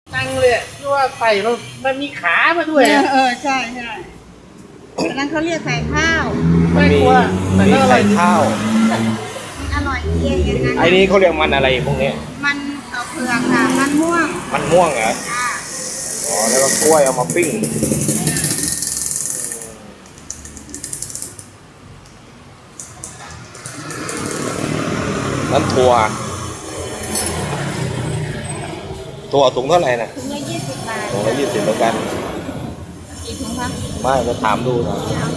นั่งเลยที่ว่าใส่มันมีขามาด้วยใช่ใช่อันนั้นเขาเรียกใส่ข้าวไม่กลัวแต่มีก็อร่ใส่อยดีข้าวอร่อยเยี่ยงอย่างนั้นไอ้นี้เขาเรียกมันอะไรพวกนี้มันเผือกค่ะมันม่วงมันม่วงเหรอค่ะอ๋อแล้วก็กล้วยเอามาปิ้งน้ำถั่วถุงเท่าไหร่นะถุงละ20 บาทถุงละ20เหมือนกันกี่ถุงคะไม่จะถามดูหนะ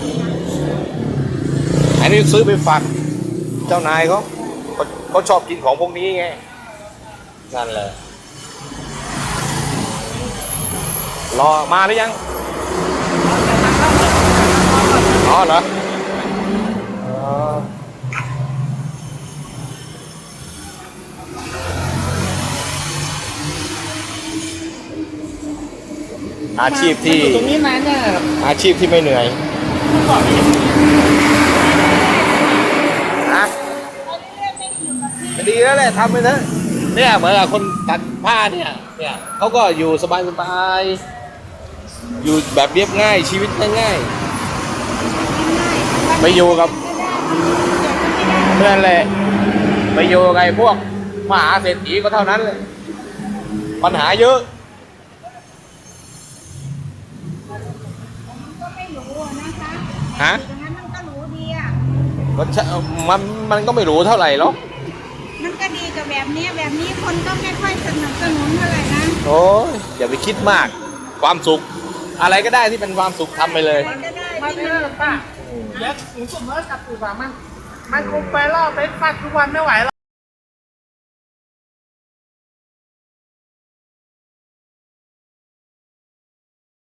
อันนี้ซื้อไปฝากเจ้านายเขาชอบกินของพวกนี้ไงนั่นแหละรอมาหรือยังอ๋อเหรออ๋ออาชีพที่ตรงนี้นานเนี่ยอาชีพที่ไม่เหนื่อยนะดีแล้วแหละทำไปเถอะเนี่ยเหมือนกับคนตัดผ้าเนี่ยเขาก็อยู่สบายๆอยู่แบบเรียบง่ายชีวิตง่ายๆไปอยู่กับเพื่อนเลยไปอยู่กับไอ้พวกมหาเศรษฐีก็เท่านั้นเลยปัญหาเยอะก็ไม่รู้นะคะฮะดังนั้นมันก็รู้ดีอ่ะก็ใช่มันก็ไม่รู้เท่าไหร่หรอกมันก็ดีกับแบบนี้คนก็ไม่ค่อยสนับสนุนเท่าไหร่นะโอ้ยอย่าไปคิดมากความสุข อะไรก็ได้ที่เป็นความสุขทำไปเลยมันก็ได้มาที่เถมันอะป้าเดี๋ยวหนูสมมติกับปู่สามันคงไปล่อไปฟัดทุกวันไม่ไหวหรอก